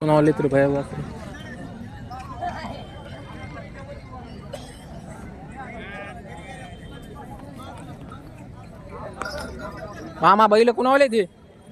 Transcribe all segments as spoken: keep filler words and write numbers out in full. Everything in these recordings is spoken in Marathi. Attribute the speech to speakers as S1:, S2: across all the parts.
S1: कोणावाले तर भया वासरे मामा बैल कुणावाले ते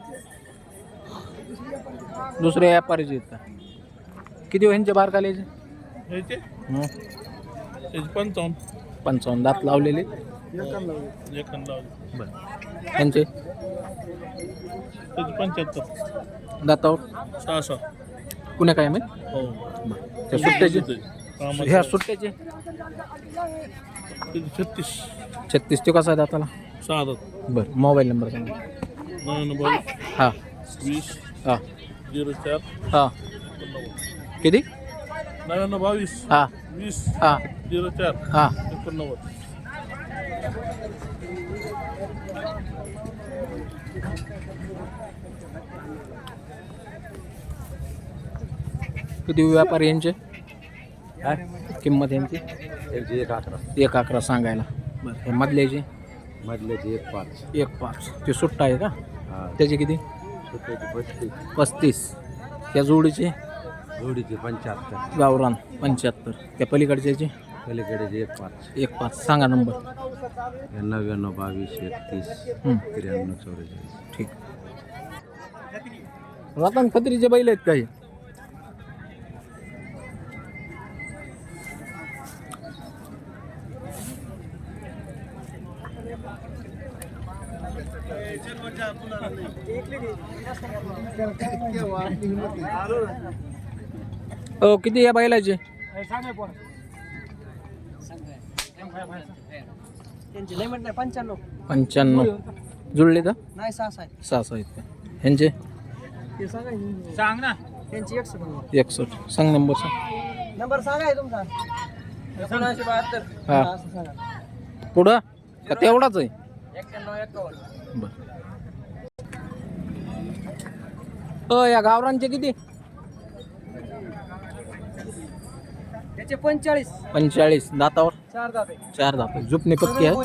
S1: दुसरे व्यापारीचे आहेत का? किती ह्यांचे बार कालेचे
S2: ह्याचे
S1: हं.
S2: ह्याचे पंचावन्न
S1: पंचावन्न दात लावलेले
S2: एकान लावले
S1: बरं ह्यांचे
S2: त्याचे पंच्याहत्तर
S1: दातावर
S2: सहा सहा
S1: कुण्या काय माहित
S2: हो
S1: त्या सुट्ट्याचे
S2: कामाचे
S1: ह्या सुट्ट्याचे
S2: त्याचे छत्तीस
S1: छत्तीस ते कसा आहे दाताला
S2: सहा दात
S1: बरं मोबाईल नंबर सांगा
S2: नव्याण्णव बावीस
S1: हां
S2: वीस
S1: हां
S2: झिरो चार
S1: हां
S2: एकोणनव्वद
S1: किती
S2: नव्याण्णव बावीस
S1: हां
S2: वीस
S1: हां
S2: झिरो चार
S1: हां
S2: एकोणनव्वद
S1: किती व्यापारी यांचे किंमत यांची
S3: एकशे एक अकरा
S1: एक अकरा सांगायला बरं हे मधल्याचे
S3: मधल्याचे एक पाच
S1: एक पाच ते सुट्टा आहे का
S3: हा
S1: त्याचे किती
S3: सुट्ट्याचे पस्तीस
S1: पस्तीस त्या जोडीचे
S3: जोडीचे पंच्याहत्तर
S1: गावरान पंच्याहत्तर त्या पलीकडच्याचे
S3: पलीकडेचे एक पाच
S1: एक पाच सांगा नंबर
S3: नव्याण्णव बावीस एकतीस
S1: हं,
S3: त्र्याण्णव चौवेचाळीस
S1: ठीक रतन खत्रीचे बैल आहेत काही हो किती या बैलाचे
S4: त्यांची लय म्हटलं पंच्याण्णव
S1: पंच्याण्णव जुळले तर
S4: नाही सहा सहा आहे.
S1: सहा सहा आहेत का ह्यांचे
S4: ते सांगा सांग ना त्यांची एकशे नंबर
S1: एकसष्ट सांग नंबर सांग
S4: नंबर सांगा आहे तुमचा एकोणऐंशी बहात्तर
S1: हा.
S4: असं सांगा
S1: पुढं का तेवढाच आहे
S4: एक्क्याण्णव एक्कावन्न
S1: बर अ या गावरांचे किती
S4: त्याचे पंचेचाळीस
S1: पंचेचाळीस दातावर
S4: चार दात आहे
S1: चार दात झुपणे पक्की आहे
S4: बोली.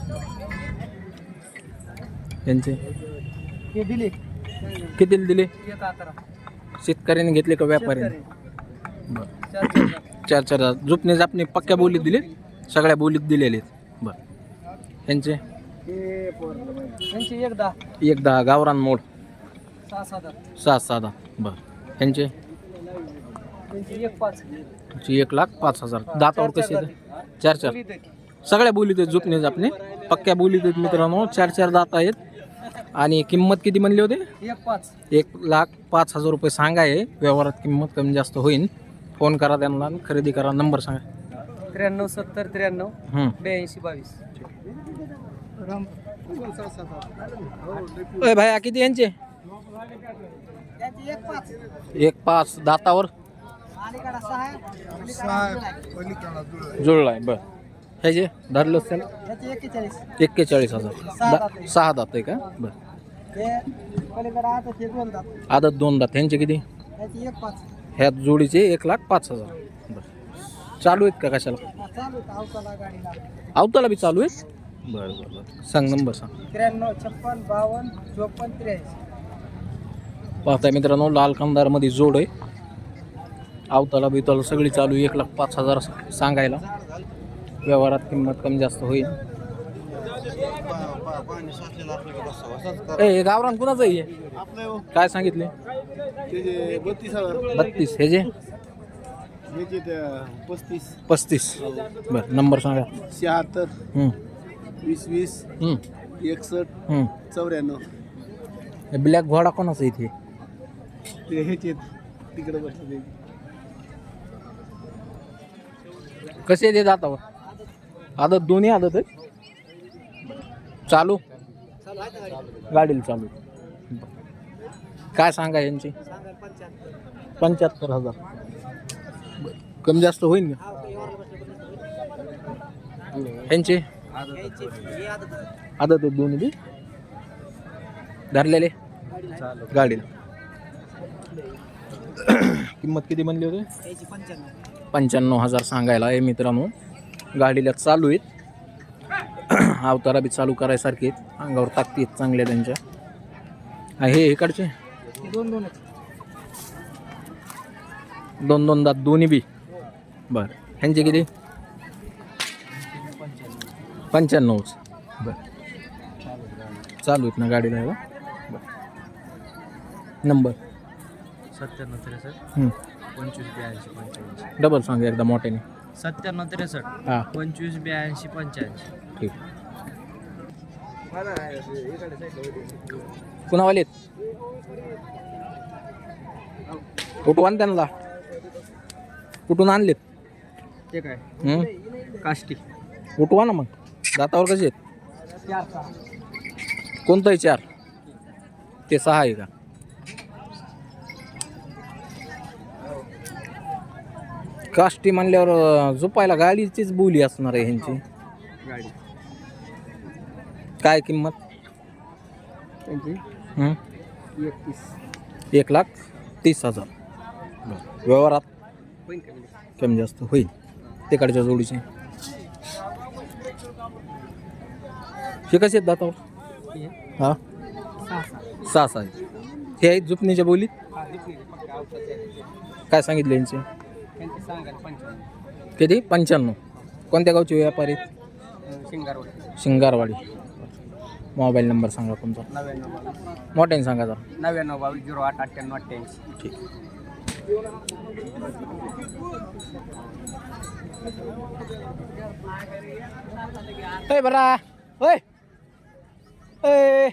S1: यांचे
S4: हे दिले
S1: किती दिले
S4: एक अकरा
S1: शेतकऱ्याने घेतले का व्यापाऱ्याने
S4: शेतकरी.
S1: बर
S4: चार चार दात.
S1: चार चार दात झुपणे जापणे पक्क्या बोलीत दिले सगळ्या बोलीत दिलेले आहेत बर यांचे
S4: हे पोरं. त्यांची एक दहा
S1: एक दहा गावरान मोड
S4: सहा सहा दात
S1: सहा सहा दहा बर यांचे
S4: त्यांची एक पाच
S1: ची एक लाख पाच हजार दातावर कसे आहेत चार चार
S4: बोलीत आहे.
S1: सगळ्या बोलीत आहेत झुपणे जापणे पक्क्या बोलीत आहेत मित्रांनो चार चार दात आहेत आणि किंमत किती म्हणली होते
S4: एक पाच
S1: एक लाख पाच हजार रुपये सांगाय व्यवहारात किंमत कमी जास्त होईल फोन करा त्यांना आणि खरेदी करा नंबर सांगा
S4: त्र्याण्णव सत्तर त्र्याण्णव
S1: हं.
S4: ब्याऐंशी बावीस
S1: अय भाया किती यांचे
S4: त्यांची एक पाच
S1: एक पाच दातावर
S4: अलीकडा सहा आहे.
S1: जुळलाय बर ह्याचे धरलंच त्याला
S4: त्याची एक्केचाळीस
S1: एक्केचाळीस हजार
S4: सहा
S1: दा-
S4: दात आहे.
S1: सहा दात आहे का बर
S4: हे पलीकडे आता ते दोन दात
S1: आदत दोन दात ह्यांचे किती
S4: त्याची एक पाच
S1: ह्या जोडीचे एक लाख पाच हजार बर चालू आहेत का कशाला
S4: हा, चालू आहे अवताला गाडीला
S1: अवताला बी चालू आहे बरं बरं बरं सांग नंबर सांग
S4: त्र्याण्णव छप्पन बावन्न चोपन्न त्र्याऐंशी
S1: पाहताय मित्रांनो लाल कंदारमध्ये जोड आहे अवताला बिवताला सगळी चालू आहे. एक लाख पाच हजार सांगायला व्यवहारात किंमत कमी जास्त होईल ए हे गावरान कुणाचं आहे हे? काय सांगितले
S2: बत्तीस हजार
S1: बत्तीस हे जे
S2: पस्तीस
S1: पस्तीस बरं नंबर सांगा
S2: शहात्तर
S1: हं,
S2: वीस वीस
S1: हं,
S2: एकसष्ट
S1: हं.
S2: चौऱ्याण्णव
S1: हे ब्लॅक घोडा कोणाचा इथे
S2: ते ह्याचे तिकडे बसले
S1: कसे येते दातावर आदत दोन्ही आदत आहे चालू गाडीला चालू काय सांगा यांची पंच्याहत्तर हजार बरं. कमी जास्त होईल का यांचे आदत आहेत दोन्ही बी धरलेले गाडीला किंमत किती म्हणली होती
S4: त्याची पंच्याण्णव
S1: पंच्याण्णव हजार सांगायला आहे मित्रांनो गाडीला चालू आहेत अवतारा बी चालू करायसारखे आहेत अंगावर ताकदी आहेत चांगल्या त्यांच्या आणि हे इकडचे
S4: दोन दोन आहेत
S1: दोन दोन दात दोन्ही बी बरं. ह्यांचे किती? पंच्याण्णवच बरं. चालू आहेत ना गाडीला ह्याला? बरं. नंबर
S4: सत्त्याण्णव त्रेसष्ट
S1: हं.
S4: पंचवीस ब्याऐंशी पंच्याऐंशी.
S1: डबल सांगा एकदा मोठ्याने.
S4: सत्त्याण्णव त्रेसष्ट
S1: हां
S4: पंचवीस ब्याऐंशी पंच्याऐंशी.
S1: ठीक. कुणावाले कुठून त्यांना कुठून आणलेत?
S4: ते काय
S1: हं?
S4: काष्टी
S1: उठवा ना मग. दातावर कसे आहेत? कोणतंही चार ते सहा आहे का? काष्टी म्हणल्यावर अं, झोपायला गाडीचीच बोली असणार आहे ह्यांची.
S4: गाडी
S1: काय किंमत?
S4: त्यांची
S1: हं?
S4: एकतीस.
S1: एक लाख तीस हजार व्यवहारात
S4: होईल कमी
S1: कमी जास्त होईल. तिकडच्या जोडीचे हे कसे आहेत दातावर? हां
S4: सहा सहा.
S1: सहा सहा आहेत. हे आहेत झुपणीच्या बोलीत. काय सांगितले यांचे?
S4: त्यांची सांगायला पंचावन्न.
S1: किती? पंच्याण्णव. कोणत्या गावचे व्यापारी?
S4: शिंगारवाडी.
S1: शिंगारवाडी. मोबाईल नंबर सांगा तुमचा.
S4: नव्याण्णव बावीस
S1: मोठ्याने सांगा जरा.
S4: नव्याण्णव बावीस झिरो आठ अठ्ठ्याण्णव अठ्ठ्याऐंशी.
S1: ठीक. ए बरा ओय ए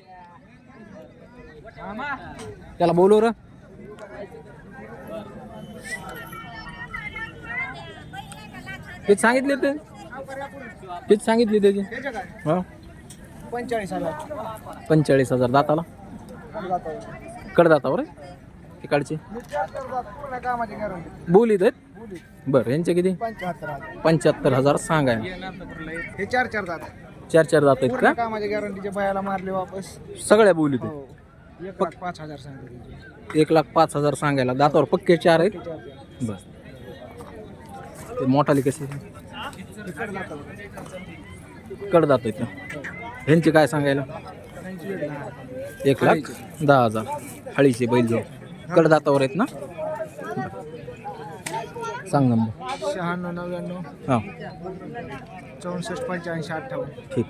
S1: त्याला बोलू र. किती सांगितले ते? किती सांगितली त्याची? हा
S4: पंचेचाळीस हजार.
S1: पंचेचाळीस हजार. दाताला कडदातावर आहे तिकडचे
S4: कामाची गॅरंटी.
S1: बोलीत आहेत बरं. यांचे किती?
S4: पंच्याहत्तर हजार.
S1: पंच्याहत्तर हजार सांगाय.
S4: हे चार चार दात
S1: चार चार दात आहेत का?
S4: कामाच्या गॅरंटीच्या बायाला मारले वापस.
S1: सगळ्या बोलीत आहेत.
S4: हो. एक लाख पाच हजार सांगितले.
S1: एक लाख पाच हजार सांगायला. दातावर पक्के चार आहेत बस. ते मोठाली कशी कडदात आहेत का? ह्यांचे काय सांगायला? एक लाख दहा हजार. हळीचे बैल जो कडदातावर आहेत ना? सांग नंबर.
S4: शहाण्णव नव्याण्णव
S1: हां
S4: चौसष्ट पंच्याऐंशी अठ्ठावन्न.
S1: ठीक.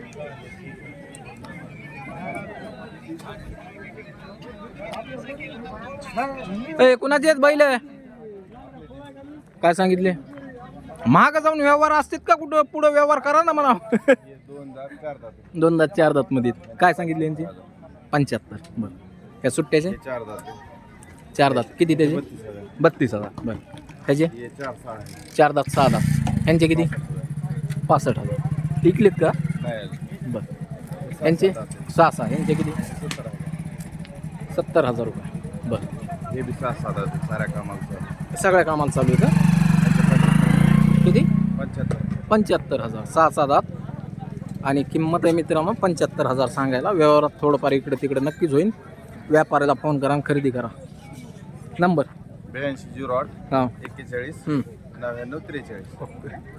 S1: ए कुणाचे आहेत बैल? काय सांगितले? महाग जाऊन व्यवहार असतात का कुठं? पुढं व्यवहार करा ना म्हणा. दोन दात चार दात मध्ये काय सांगितले यांचे? पंच्याहत्तर. बरं. त्या सुट्ट्याचे
S3: चार दात
S1: चार दात किती त्याचे? बत्तीस हजार. बरं. ह्याचे चार दात सहा दात. ह्यांचे किती? पासष्ट हजार. विकलेत का? बरं. ह्यांचे सहा सहा. ह्यांचे किती? सत्तर हजार रुपये. बरं.
S3: हे बी सहा सात आहेत साऱ्या कामाला.
S1: सगळ्या कामाला चालू आहे का? किती?
S3: पंच्याहत्तर.
S1: पंच्याहत्तर हजार. सहा सहा दात आणि किंमत आहे मित्रांनो पंच्याहत्तर हजार सांगायला. व्यवहारात थोडंफार इकडे तिकडे नक्कीच होईल. व्यापाऱ्याला फोन करा आणि खरेदी करा. नंबर
S3: ब्याऐंशी झिरो आठ
S1: हां
S3: एक्केचाळीस
S1: हं.
S3: नव्याण्णव त्रेचाळीस.
S1: ओके.